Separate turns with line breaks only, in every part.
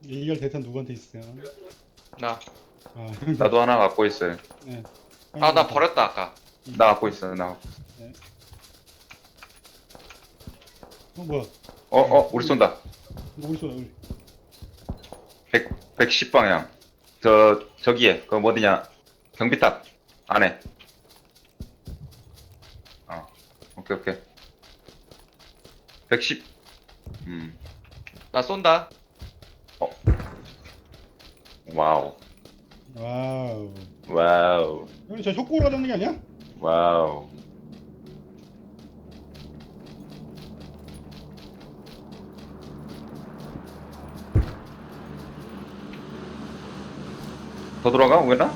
A열 대탄 누구한테 있어요?
나.
아,
나도 하나 갖고 있어요.
네.
아, 나 버렸다, 아까.
나 갖고 있어. 나.
네. 뭐야?
우리 쏜다.
누구 있어? 우리.
110 방향. 저기에 그 어디냐? 경비탑 안에. 오케이 오케이. 110.
나 쏜다.
와우.
와우.
와우.
여기 저 협곡으로 가는 게 아니야?
와우. 더 돌아가 오겠나?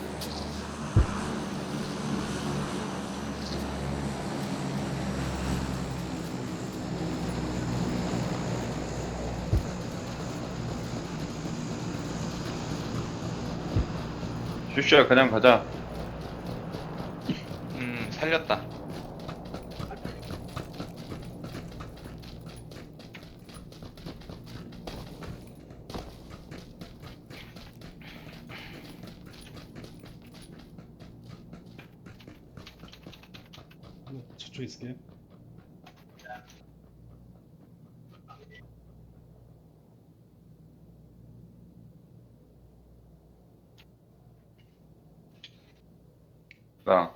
슈슈야 그냥 가자.
살렸다.
저쪽에 있을게요.
나.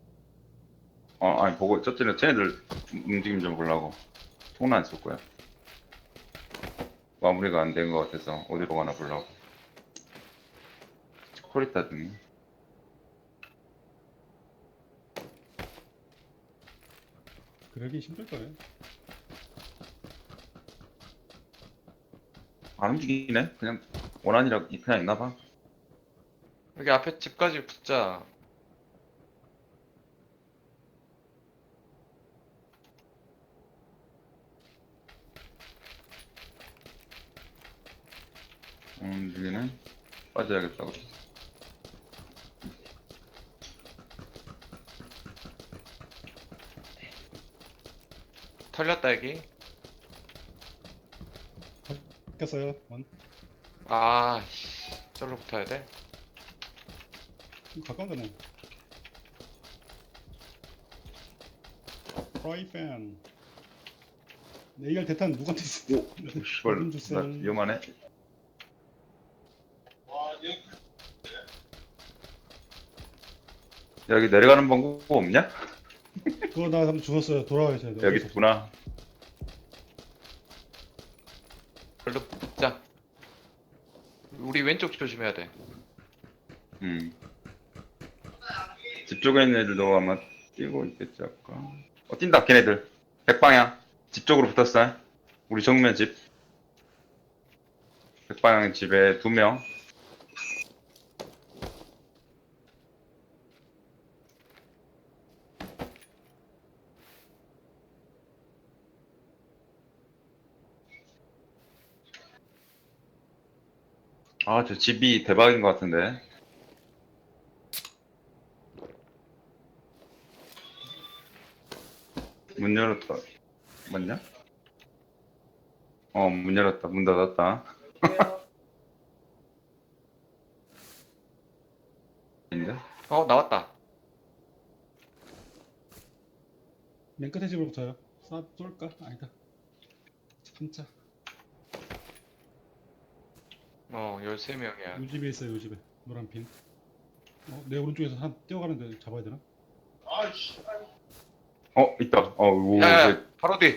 아니 보고 저쪽에 쟤네들 움직임 좀 보려고. 통로 안 쏠 거야. 마무리가 안 된 것 같아서 어디로 가나 보려고. 코리타 등이.
그러기 힘들 거예요.
안 움직이네? 그냥 원한이라 그냥 있나 봐.
여기 앞에 집까지 붙자.
움직이네. 빠져야겠다고.
털렸다, 여기.
바뀌었어요. 원.
아, 저로 붙어야 돼.
좀 가까운 데네. 프라이팬. A열 대탄 누구한테 있어?
오, 씨발,
좀 주세요.
나 위험하네. 여기 내려가는 방법 없냐?
그거 나 한번 죽었어요. 돌아가셔야 돼.
여기 있구나.
별로 붙자. 우리 왼쪽 조심해야 돼.
집 쪽에 있는 애들도 아마 뛰고 있겠지, 아까. 뛴다, 걔네들. 백방향. 집 쪽으로 붙었어. 우리 정면 집. 백방향 집에 2명. 저 집이 대박인 것 같은데. 문 열었다. 맞냐? 문 열었다. 문 닫았다. 아닌데?
나왔다.
맨 끝에 집으로 붙어요. 쏠까? 아니다. 참자.
13명이야.
요 집에 있어요. 요 집에. 노란 핀. 내 오른쪽에서 사람 뛰어가는데 잡아야 되나?
있다. 오,
야, 바로 뒤.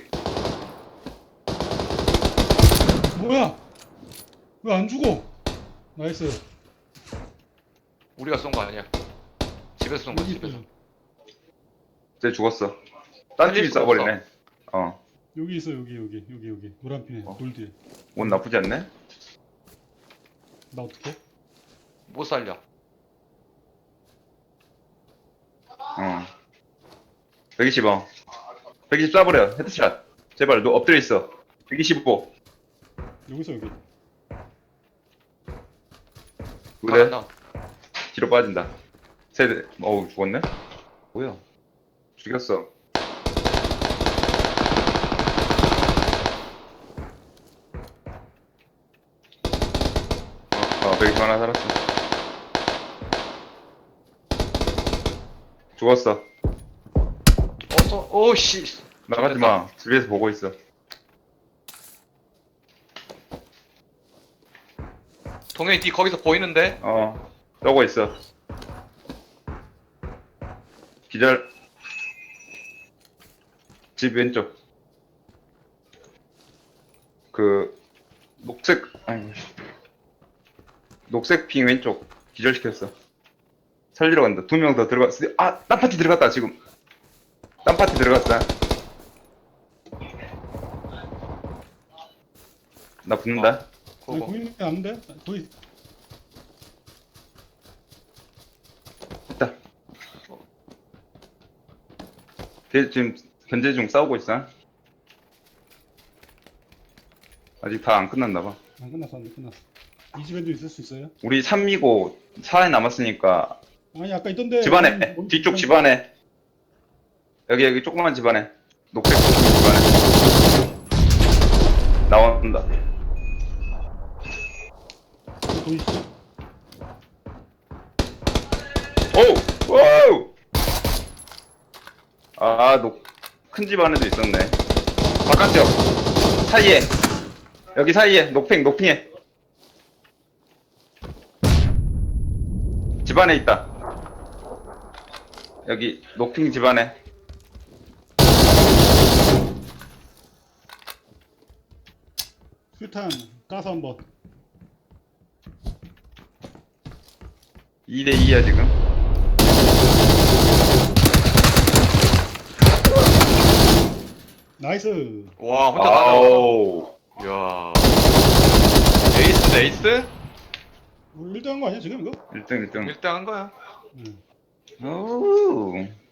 뭐야? 왜 안 죽어? 나이스.
우리가 쏜 거 아니야. 집에서 쏜 거야,
여기
집에서.
있어요.
쟤 죽었어. 딴
살릴
팀이
수가
쏴버리네.
여기 있어. 여기. 노란 핀에. 돌 뒤에.
옷 나쁘지 않네?
나 어떡해?
못 살려.
120, 120 쏴버려. 헤드샷. 제발, 너 엎드려 있어. 125.
여기서 여기.
그래,
나.
뒤로 빠진다. 세대, 죽었네? 뭐야? 죽였어. 120 하나 살았어. 죽었어.
오씨.
나가지 마. 집에서 보고 있어.
동현이 뒤 거기서 보이는데?
떠고 있어. 기절. 집 왼쪽. 그 녹색 핑 왼쪽 기절시켰어. 살리러 간다. 2명 더 들어갔어. 딴 파티 들어갔다 지금. 딴 파티 들어갔다. 나 붙는다.
아니,
그거.
보이는 게 아닌데? 거의
됐다. 걔 지금 견제 중 싸우고 있어. 아직 다 안 끝났나봐.
안 끝났어, 안 끝났어. 이 집에도 있을 수 있어요?
우리 3이고 4에 남았으니까
아니, 아까 있던데.
집안에 뒤쪽 집안에 여기 조그만 집안에 녹색 집안에 나온다.
보이시죠?
오우! 큰 집안에도 있었네. 바깥쪽 사이에 여기 사이에 녹핑에 집안에 있다. 여기 녹핑 집안에.
수탄 까서 한번.
2대2야 지금.
나이스.
와, 혼자 다
아우.
이야. 에이스, 에이스?
우리 1등 한 거 아니야, 지금 이거?
1등.
1등 한 거야.
응.
오우.